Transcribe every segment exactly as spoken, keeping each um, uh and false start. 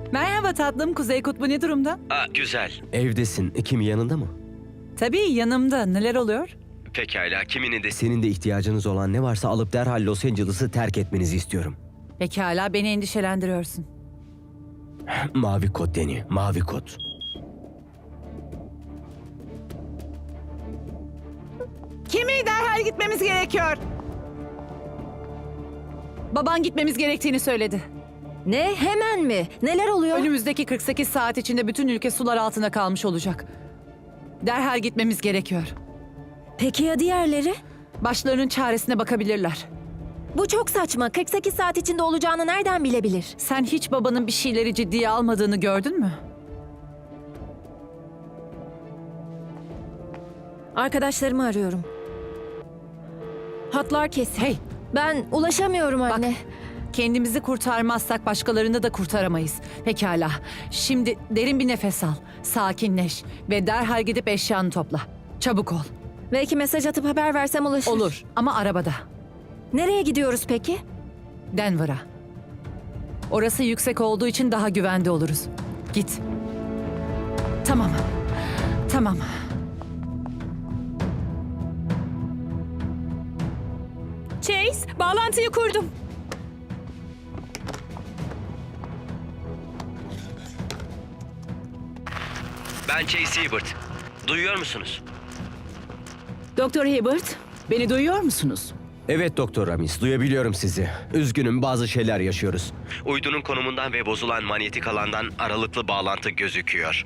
Merhaba tatlım, Kuzey Kutbu ne durumda? Aa, güzel. Evdesin. Kim yanında mı? Tabii yanımda. Neler oluyor? Pekala, kiminin de... Senin de ihtiyacınız olan ne varsa alıp derhal Los Angeles'ı terk etmenizi istiyorum. Pekala, beni endişelendiriyorsun. Mavi kod Deni, mavi kod. Kimi derhal gitmemiz gerekiyor? Baban gitmemiz gerektiğini söyledi. Ne? Hemen mi? Neler oluyor? Önümüzdeki kırk sekiz saat içinde bütün ülke sular altında kalmış olacak. Derhal gitmemiz gerekiyor. Peki ya diğerleri? Başlarının çaresine bakabilirler. Bu çok saçma. kırk sekiz saat içinde olacağını nereden bilebilir? Sen hiç babanın bir şeyleri ciddiye almadığını gördün mü? Arkadaşlarımı arıyorum. Hatlar kesin. Hey, Ben ulaşamıyorum anne. kendimizi kurtarmazsak başkalarını da kurtaramayız. Pekala, şimdi derin bir nefes al, sakinleş ve derhal gidip eşyanı topla. Çabuk ol. Belki mesaj atıp haber versem ulaşır. Olur ama arabada. Nereye gidiyoruz peki? Denver'a. Orası yüksek olduğu için daha güvende oluruz. Git. Tamam. Tamam. Chase, bağlantıyı kurdum. Ben Chase Hibbert. Duyuyor musunuz? Doktor Hibbert, beni duyuyor musunuz? Evet Doktor Ramis, duyabiliyorum sizi. Üzgünüm, bazı şeyler yaşıyoruz. Uydunun konumundan ve bozulan manyetik alandan aralıklı bağlantı gözüküyor.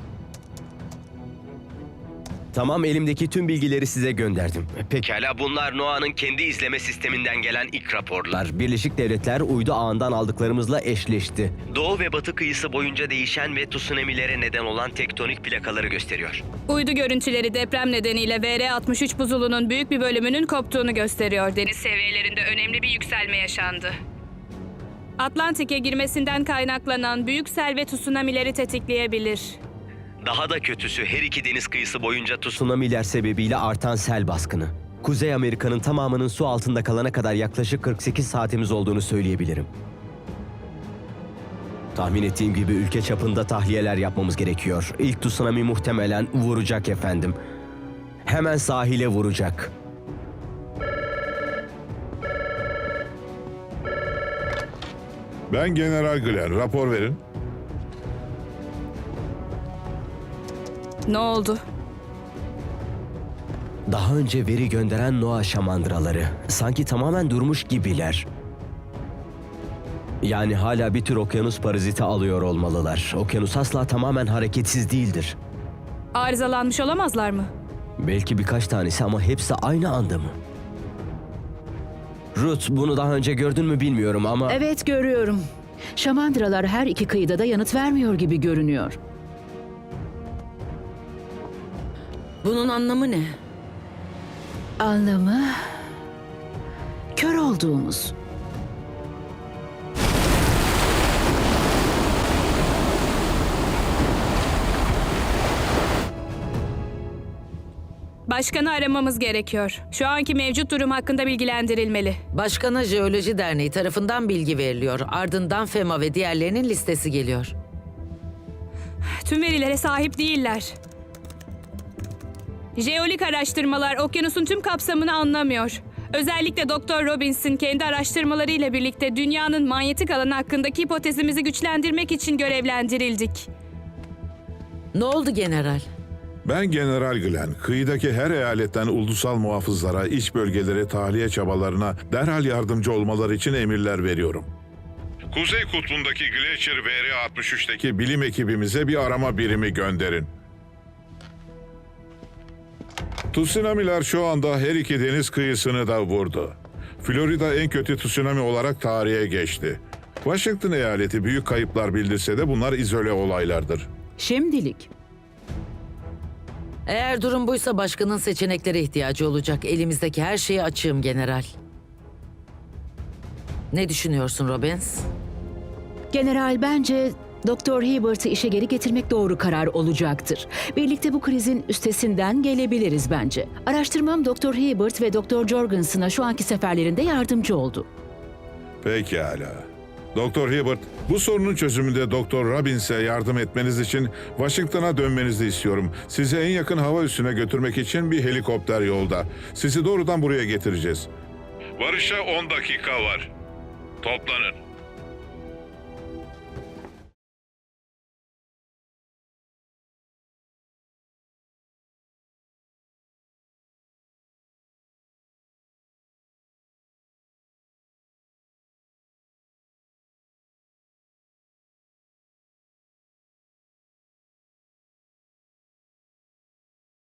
Tamam, elimdeki tüm bilgileri size gönderdim. Peki. Pekala, bunlar Noah'nın kendi izleme sisteminden gelen ilk raporlar. Birleşik Devletler uydu ağından aldıklarımızla eşleşti. Doğu ve batı kıyısı boyunca değişen ve tsunami'lere neden olan tektonik plakaları gösteriyor. Uydu görüntüleri deprem nedeniyle V R altmış üç buzulunun büyük bir bölümünün koptuğunu gösteriyor. Deniz seviyelerinde önemli bir yükselme yaşandı. Atlantik'e girmesinden kaynaklanan büyük sel ve tsunami'leri tetikleyebilir. Daha da kötüsü, her iki deniz kıyısı boyunca tsunami... Tsunamiler sebebiyle artan sel baskını. Kuzey Amerika'nın tamamının su altında kalana kadar yaklaşık kırk sekiz saatimiz olduğunu söyleyebilirim. Tahmin ettiğim gibi ülke çapında tahliyeler yapmamız gerekiyor. İlk tsunami muhtemelen vuracak efendim. Hemen sahile vuracak. Ben General Glenn. Rapor verin. Ne oldu? Daha önce veri gönderen Noah şamandıraları. Sanki tamamen durmuş gibiler. Yani hala bir tür okyanus paraziti alıyor olmalılar. Okyanus asla tamamen hareketsiz değildir. Arızalanmış olamazlar mı? Belki birkaç tanesi ama hepsi aynı anda mı? Ruth, bunu daha önce gördün mü bilmiyorum ama... Evet, görüyorum. Şamandıralar her iki kıyıda da yanıt vermiyor gibi görünüyor. Bunun anlamı ne? Anlamı... Kör olduğumuz. Başkanı aramamız gerekiyor. Şu anki mevcut durum hakkında bilgilendirilmeli. Başkana Jeoloji Derneği tarafından bilgi veriliyor. Ardından FEMA ve diğerlerinin listesi geliyor. Tüm verilere sahip değiller. Jeolik araştırmalar okyanusun tüm kapsamını anlamıyor. Özellikle Doktor Robbins'in kendi araştırmalarıyla birlikte dünyanın manyetik alanı hakkındaki hipotezimizi güçlendirmek için görevlendirildik. Ne oldu general? Ben General Glenn. Kıyıdaki her eyaletten ulusal muhafızlara, iç bölgelere tahliye çabalarına derhal yardımcı olmaları için emirler veriyorum. Kuzey Kutbu'ndaki Glacier V R altmış üç'teki bilim ekibimize bir arama birimi gönderin. Tsunami'ler şu anda her iki deniz kıyısını da vurdu. Florida en kötü tsunami olarak tarihe geçti. Washington eyaleti büyük kayıplar bildirse de bunlar izole olaylardır. Şimdilik. Eğer durum buysa başkanın seçeneklere ihtiyacı olacak. Elimizdeki her şeyi açığım general. Ne düşünüyorsun Robbins? General, bence Doktor Hibbert'ı işe geri getirmek doğru karar olacaktır. Birlikte bu krizin üstesinden gelebiliriz bence. Araştırmam Doktor Hibbert ve Doktor Jorgensen'a şu anki seferlerinde yardımcı oldu. Pekala. Doktor Hibbert, bu sorunun çözümünde Doktor Robbins'e yardım etmeniz için Washington'a dönmenizi istiyorum. Sizi en yakın hava üssüne götürmek için bir helikopter yolda. Sizi doğrudan buraya getireceğiz. Varışa on dakika var. Toplanın.